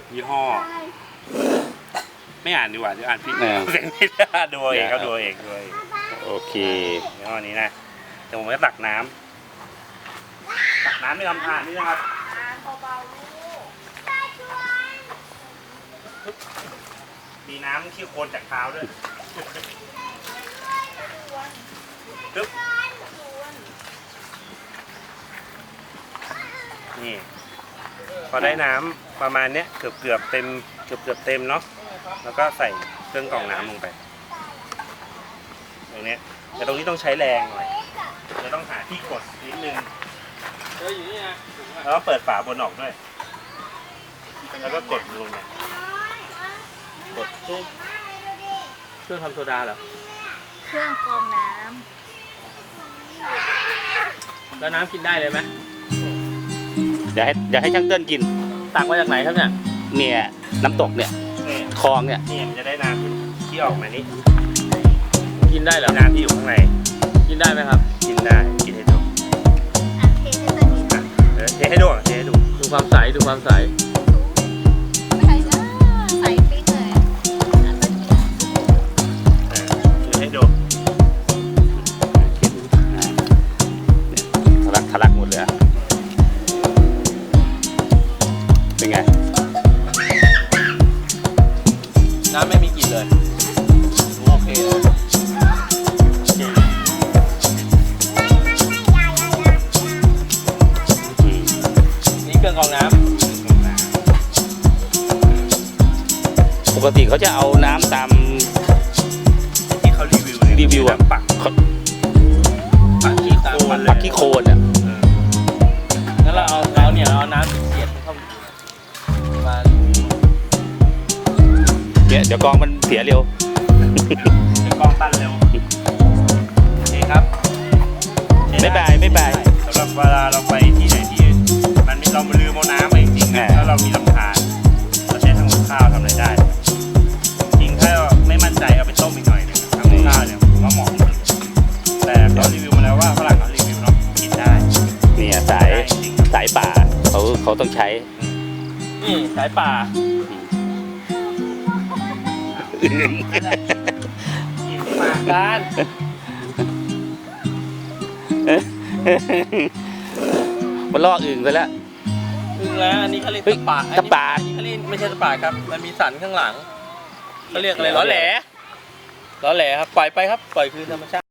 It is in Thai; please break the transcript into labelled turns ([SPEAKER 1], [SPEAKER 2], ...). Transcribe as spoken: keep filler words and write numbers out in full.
[SPEAKER 1] ยี่ห้อไม่อ่านดีกว่าเดี๋ยวอ่านผิดเสียงไม่ได้ดูเองครับดูเองดูเอง
[SPEAKER 2] โอเค
[SPEAKER 1] ยี่ห้อนี้นะเดี๋ยวผมจะตักน้ำตักน้ำในลำธารนี่นะครับมีน้ำขี้โคลนจากเท้าด้วยปึ๊บนี่พอได้น้ำประมาณเนี้ยเกือบเกือบเต็มเกือบเกือบเต็มเนาะแล้วก็ใส่เครื่องกรองน้ำลงไปตรงเนี้ยแต่ตรงนี้ต้องใช้แรงหน่อยจะต้องหาที่กดนิดนึงแล้วก็เปิดฝาบนออกด้วยแล้วก็กดลงไปกดปุ๊บเครื่องทำโซดาเหรอ
[SPEAKER 3] เครื่องกรองน้
[SPEAKER 1] ำแล้วน้ำกินได้เลยไหม
[SPEAKER 2] อยากให้อยากให้ช่างเติ้ลกิน
[SPEAKER 1] ตักมาจากไหนครับเนี่ย
[SPEAKER 2] เนี่ยน้ำตกเนี่ยคลองเนี่ย
[SPEAKER 1] นี่มันจะได้น้ำที่ออกมานี้
[SPEAKER 4] กินได้เหรอ
[SPEAKER 1] น้ำที่อยู่ข้างใน
[SPEAKER 4] กินได้ไหมครับ
[SPEAKER 1] กินได้กินให้ดู
[SPEAKER 3] เทให้ตัวนี้
[SPEAKER 1] เทให้ดูเทให้ดู
[SPEAKER 4] ดูความใสดูความใส
[SPEAKER 3] ไม่ใช่นะใส่ปิ๊กเลย
[SPEAKER 1] เทให้ดู
[SPEAKER 2] ทะลักทะลักหมดเลยเป็นไง
[SPEAKER 4] น้ำไม่มีกลิ่นเลยโอเคเลยนี่เครื่องกรองน้
[SPEAKER 2] ำปกติเขาจะเอาน้ำตาม
[SPEAKER 1] ที่เขารีวิว
[SPEAKER 2] รีวิวอะ
[SPEAKER 1] ปัก
[SPEAKER 4] ปักขี้โคลน
[SPEAKER 2] ปักขี้โคลนอะ
[SPEAKER 4] งั้นเราเอาเราเนี่ยเอาน้ำเสียดเข้ามา
[SPEAKER 2] เนี่ยเดี๋ยวกองมันเสียเร็ว
[SPEAKER 1] เดี๋ยวกองตันเร็วโอเคครับ
[SPEAKER 2] ไม่บายไม่บาย
[SPEAKER 1] สำหรับเวลาเราไปที่ไหนที่มันเราลืมเอาน้ำไปจริงๆแล้วเรามีลำธารเราใช้ทำกับข้าวทำอะไรได้จริงถ้าไม่มั่นใจเอาไปต้มอีกหน่อยนึงทำกับข้าวเนี่ยผมว่าเหมาะแต่เขารีวิวมาแล้วว่าฝรั่งเขารีวิวเนาะกินได้
[SPEAKER 2] เนี่ยสายสายป่าเขาเขาต้องใช้
[SPEAKER 4] นี่สายป่าการ
[SPEAKER 2] มันล่ออึ่งไปแล้ว
[SPEAKER 4] อึ่งแล้วอันนี้เขาเรียกตะปา
[SPEAKER 2] ตะปา
[SPEAKER 4] อันนี้เขาเรียกไม่ใช่ตะปาครับมันมีสันข้างหลังเขาเรียกอะไรล้อแหล่ล้อแหล่ครับปล่อยไปครับปล่อยคืนธรรมชาติ